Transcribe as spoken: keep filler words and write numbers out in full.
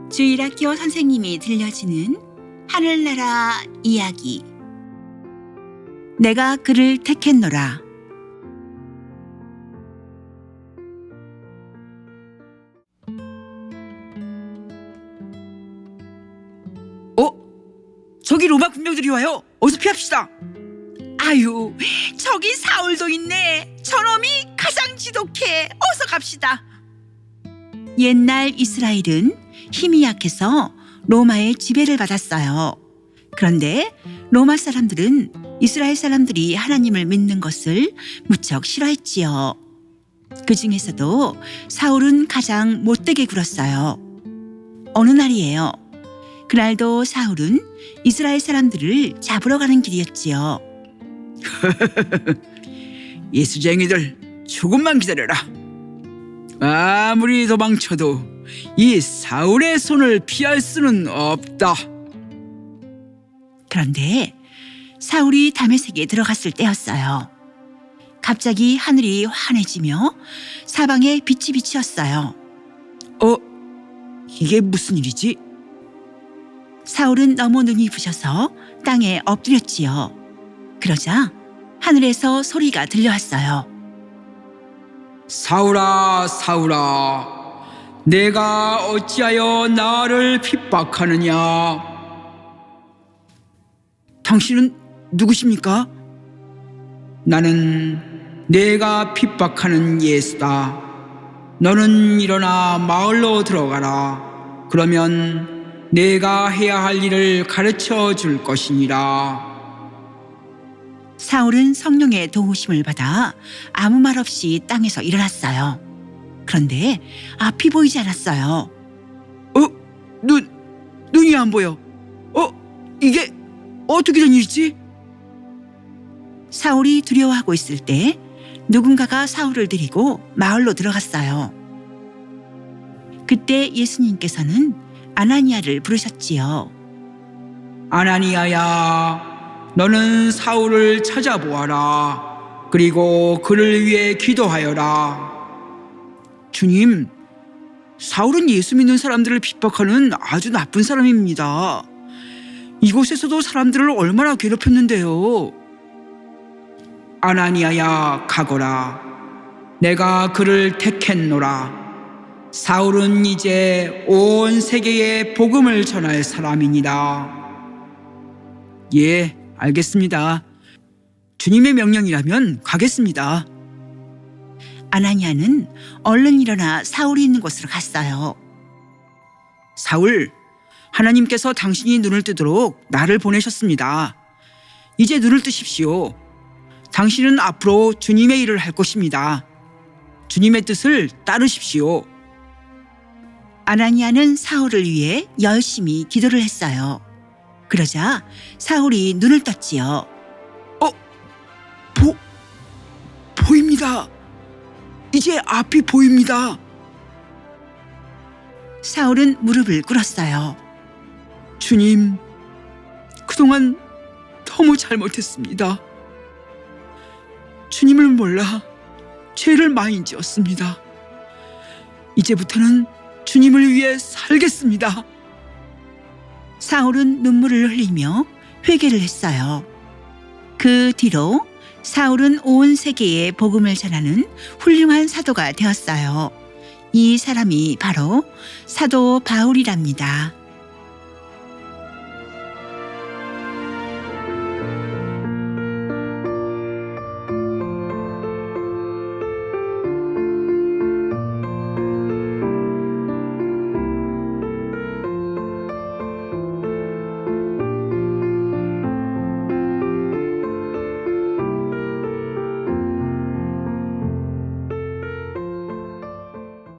주일학교 선생님이 들려주는 하늘나라 이야기. 내가 그를 택했노라. 어? 저기 로마 군병들이 와요. 어서 피합시다. 아유, 저기 사울도 있네. 저놈이 가장 지독해. 어서 갑시다. 옛날 이스라엘은 힘이 약해서 로마의 지배를 받았어요. 그런데 로마 사람들은 이스라엘 사람들이 하나님을 믿는 것을 무척 싫어했지요. 그 중에서도 사울은 가장 못되게 굴었어요. 어느 날이에요. 그날도 사울은 이스라엘 사람들을 잡으러 가는 길이었지요. 예수쟁이들, 조금만 기다려라. 아무리 도망쳐도 이 사울의 손을 피할 수는 없다. 그런데 사울이 다메섹에 들어갔을 때였어요. 갑자기 하늘이 환해지며 사방에 빛이 비치었어요. 어? 이게 무슨 일이지? 사울은 너무 눈이 부셔서 땅에 엎드렸지요. 그러자 하늘에서 소리가 들려왔어요. 사울아, 사울아, 내가 어찌하여 나를 핍박하느냐? 당신은 누구십니까? 나는 내가 핍박하는 예수다. 너는 일어나 마을로 들어가라. 그러면 내가 해야 할 일을 가르쳐 줄 것이니라. 사울은 성령의 도우심을 받아 아무 말 없이 땅에서 일어났어요. 그런데 앞이 보이지 않았어요. 어? 눈, 눈이 안 보여. 어? 이게 어떻게 된 일이지? 사울이 두려워하고 있을 때 누군가가 사울을 데리고 마을로 들어갔어요. 그때 예수님께서는 아나니아를 부르셨지요. 아나니아야, 너는 사울을 찾아보아라. 그리고 그를 위해 기도하여라. 주님, 사울은 예수 믿는 사람들을 핍박하는 아주 나쁜 사람입니다. 이곳에서도 사람들을 얼마나 괴롭혔는데요. 아나니아야, 가거라. 내가 그를 택했노라. 사울은 이제 온 세계에 복음을 전할 사람이니라. 예, 알겠습니다. 주님의 명령이라면 가겠습니다. 아나니아는 얼른 일어나 사울이 있는 곳으로 갔어요. 사울, 하나님께서 당신이 눈을 뜨도록 나를 보내셨습니다. 이제 눈을 뜨십시오. 당신은 앞으로 주님의 일을 할 것입니다. 주님의 뜻을 따르십시오. 아나니아는 사울을 위해 열심히 기도를 했어요. 그러자 사울이 눈을 떴지요. 어? 보, 보입니다. 이제 앞이 보입니다. 사울은 무릎을 꿇었어요. 주님, 그동안 너무 잘못했습니다. 주님을 몰라 죄를 많이 지었습니다. 이제부터는 주님을 위해 살겠습니다. 사울은 눈물을 흘리며 회개를 했어요. 그 뒤로 사울은 온 세계에 복음을 전하는 훌륭한 사도가 되었어요. 이 사람이 바로 사도 바울이랍니다.